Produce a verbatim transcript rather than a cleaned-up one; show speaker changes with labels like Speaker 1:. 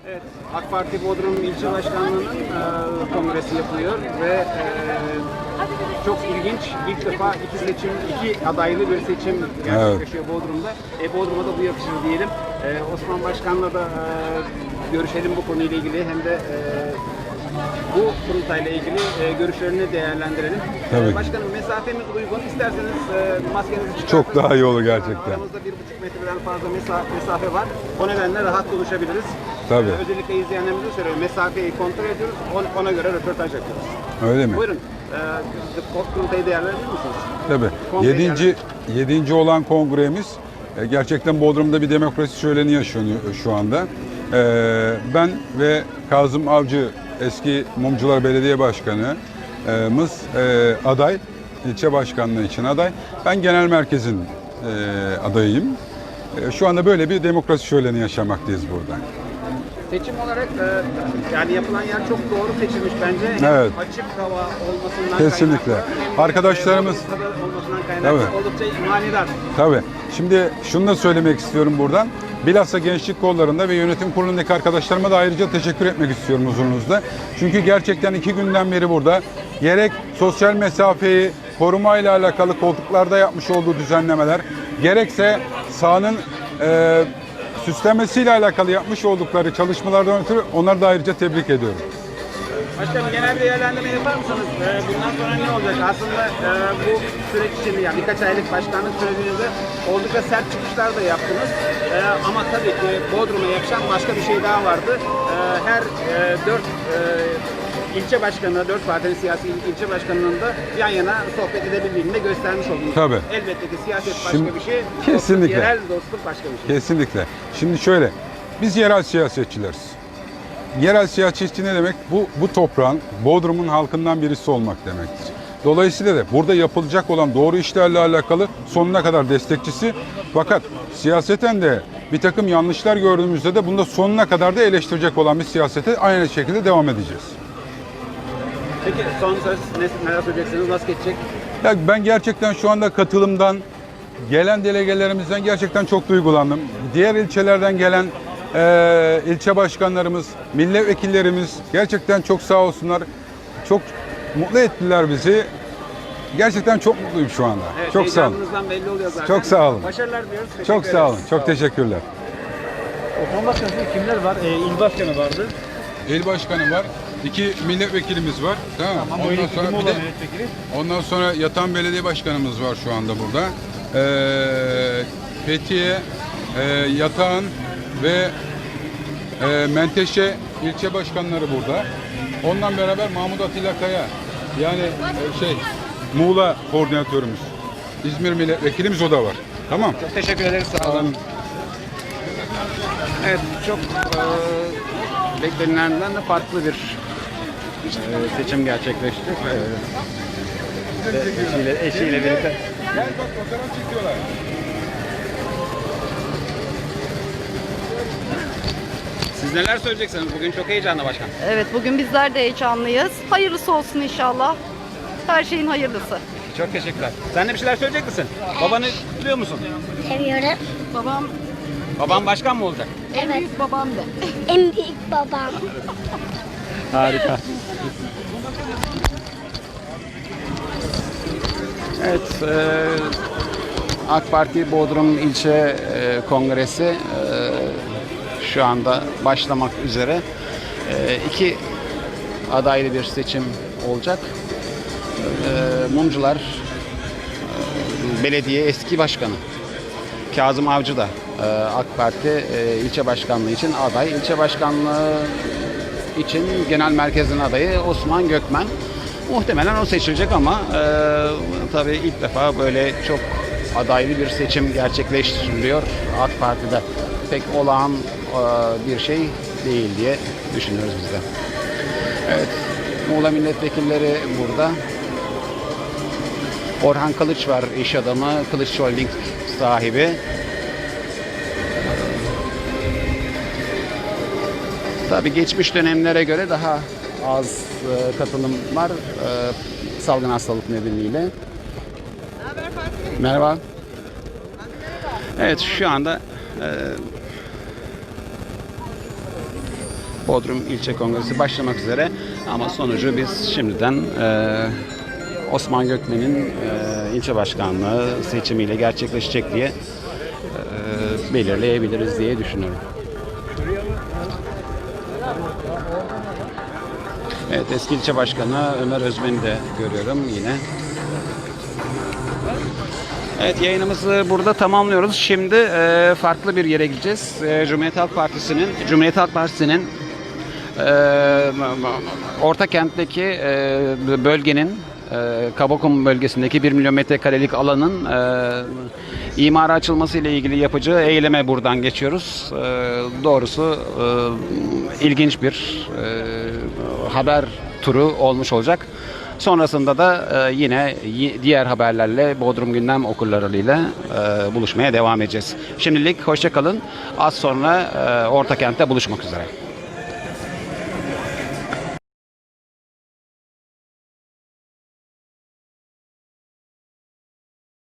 Speaker 1: Evet, AK Parti Bodrum İlçe Başkanlığı'nın e, kongresi yapılıyor ve e, çok ilginç, ilk defa iki seçim, iki adaylı bir seçim gerçekleşiyor evet. Bodrum'da. E, Bodrum'a da bu yakışır diyelim. E, Osman Başkan'la da e, görüşelim bu konuyla ilgili, hem de e, bu kurultayla ilgili e, görüşlerini değerlendirelim.
Speaker 2: Tabii.
Speaker 1: E, başkanım, mesafemiz uygun. İsterseniz e, maskenizi çıkartın.
Speaker 2: Çok daha iyi olur gerçekten.
Speaker 1: Aramızda bir buçuk metreden fazla mesafe, mesafe var. O nedenle rahat konuşabiliriz.
Speaker 2: Tabii.
Speaker 1: E, özellikle izleyenlerimize söylüyorum. Mesafeyi kontrol ediyoruz. Ona göre röportaj yapıyoruz.
Speaker 2: Öyle mi?
Speaker 1: Buyurun. E, kurultayı değerlendirir misiniz?
Speaker 2: Tabii.
Speaker 1: Kongreyi
Speaker 2: Yedinci, yedinci olan kongremiz e, gerçekten Bodrum'da bir demokrasi şöleni yaşanıyor şu anda. E, ben ve Kazım Avcı, eski Mumcular Belediye Başkanı'mız e, aday, ilçe başkanlığı için aday. Ben genel merkezin e, adayıyım. E, şu anda böyle bir demokrasi şöleni yaşamaktayız burada.
Speaker 1: Seçim olarak e, yani yapılan yer çok doğru seçilmiş bence.
Speaker 2: Evet.
Speaker 1: Hem açık hava olmasından
Speaker 2: kesinlikle.
Speaker 1: kaynaklı, hem
Speaker 2: Arkadaşlarımız
Speaker 1: e, olmasından kaynaklı
Speaker 2: tabii.
Speaker 1: oldukça manidar.
Speaker 2: Tabii. Şimdi şunu da söylemek istiyorum buradan. Bilhassa gençlik kollarında ve yönetim kurulundaki arkadaşlarıma da ayrıca teşekkür etmek istiyorum huzurunuzda. Çünkü gerçekten iki günden beri burada gerek sosyal mesafeyi korumayla alakalı koltuklarda yapmış olduğu düzenlemeler, gerekse sahanın e, süslemesiyle alakalı yapmış oldukları çalışmalardan ötürü onları da ayrıca tebrik ediyorum.
Speaker 1: Başkanım, genel bir değerlendirme yapar mısınız? Ee, bundan sonra ne olacak? Aslında e, bu süreç içinde, yani birkaç aylık başkanlık sürecinizde oldukça sert çıkışlar da yaptınız. E, ama tabii ki Bodrum'a yakışan başka bir şey daha vardı. E, her e, dört e, ilçe başkanı, dört partinin siyasi il- ilçe başkanının da yan yana sohbet edebildiğini de göstermiş oldunuz.
Speaker 2: Tabii.
Speaker 1: Elbette ki siyaset başka
Speaker 2: Şimdi-
Speaker 1: bir şey,
Speaker 2: kesinlikle.
Speaker 1: Dostluk, yerel dostluk başka bir şey.
Speaker 2: Kesinlikle. Şimdi şöyle, biz yerel siyasetçileriz. Yerel siyasetçi ne demek? Bu, bu toprağın, Bodrum'un halkından birisi olmak demektir. Dolayısıyla da burada yapılacak olan doğru işlerle alakalı sonuna kadar destekçisi. Fakat siyaseten de bir takım yanlışlar gördüğümüzde de bunda sonuna kadar da eleştirecek olan bir siyasete aynı şekilde devam edeceğiz.
Speaker 1: Peki son söz, ne, neler söyleyeceksiniz, nasıl geçecek?
Speaker 2: Ya ben gerçekten şu anda katılımdan, gelen delegelerimizden gerçekten çok duygulandım. Diğer ilçelerden gelen e, ilçe başkanlarımız, milletvekillerimiz gerçekten çok sağ olsunlar. Çok mutlu ettiler bizi. Gerçekten çok mutluyum şu anda.
Speaker 1: Evet,
Speaker 2: çok sağ olun.
Speaker 1: heyecanınızdan belli oluyor zaten.
Speaker 2: Çok sağ olun.
Speaker 1: Başarılar diliyoruz. Teşekkür
Speaker 2: Çok sağ olun.
Speaker 1: ederiz.
Speaker 2: Çok teşekkürler.
Speaker 3: Osman Başkanı kimler var? Ee, il başkanı vardı.
Speaker 2: İl başkanı var. İki milletvekilimiz var. Tamam.
Speaker 3: Ama
Speaker 2: Ondan
Speaker 3: öyle
Speaker 2: sonra
Speaker 3: kim
Speaker 2: bir
Speaker 3: olan
Speaker 2: de
Speaker 3: milletvekili?
Speaker 2: ondan sonra yatan belediye başkanımız var şu anda burada. Ee, Fethiye, e, Yatağan ve e, Menteşe ilçe başkanları burada. Ondan beraber Mahmut Atilla Kaya, yani e, şey Muğla koordinatörümüz. İzmir milletvekilimiz o da var. Tamam.
Speaker 1: Çok teşekkür ederiz. Sağ olun. Evet, çok e, beklenilenden de farklı bir e, seçim gerçekleşti. E, eşiyle, eşiyle birlikte.
Speaker 2: Gel bak, fotoğraf çekiyorlar.
Speaker 1: Siz neler söyleyeceksiniz? Bugün çok heyecanlı başkan.
Speaker 4: Evet, bugün bizler de heyecanlıyız. Hayırlısı olsun inşallah. Her şeyin hayırlısı.
Speaker 1: Çok teşekkürler. Sen de bir şeyler söyleyecek misin? Babanı biliyor musun?
Speaker 5: Seviyorum.
Speaker 4: Babam
Speaker 1: Baban başkan mı olacak?
Speaker 4: en
Speaker 5: Evet.
Speaker 4: büyük babam de.
Speaker 5: En büyük babam.
Speaker 1: Harika. Evet, e, AK Parti Bodrum İlçe e, Kongresi e, şu anda başlamak üzere. E, iki adaylı bir seçim olacak. E, Mumcular e, Belediye eski başkanı Kazım Avcı da e, AK Parti e, ilçe başkanlığı için aday. İlçe başkanlığı için genel merkezin adayı Osman Gökmen. Muhtemelen o seçilecek ama e, tabii ilk defa böyle çok adaylı bir seçim gerçekleştiriliyor AK Parti'de. Pek olağan e, bir şey değil diye düşünüyoruz biz de. Evet, Muğla milletvekilleri burada. Orhan Kılıç var, iş adamı, Kılıç Holding sahibi. Tabii geçmiş dönemlere göre daha az e, katılım var e, salgın hastalık nedeniyle. Merhaba. Evet, şu anda e, Bodrum İlçe Kongresi başlamak üzere ama sonucu biz şimdiden e, Osman Gökmen'in e, ilçe başkanlığı seçimiyle gerçekleşecek diye e, belirleyebiliriz diye düşünüyorum. Evet, eski ilçe başkanı Ömer Özmen'i de görüyorum yine. Evet, yayınımızı burada tamamlıyoruz. Şimdi e, farklı bir yere gideceğiz. E, Cumhuriyet Halk Partisi'nin Cumhuriyet Halk Partisi'nin e, Ortakent'teki e, bölgenin e, Kabakum bölgesindeki bir milyon metrekarelik alanın e, imara açılması ile ilgili yapacağı eyleme buradan geçiyoruz. E, doğrusu e, ilginç bir e, haber turu olmuş olacak. Sonrasında da e, yine y- diğer haberlerle Bodrum Gündem okurlarıyla e, buluşmaya devam edeceğiz. Şimdilik hoşça kalın. Az sonra e, Ortakent'te buluşmak üzere.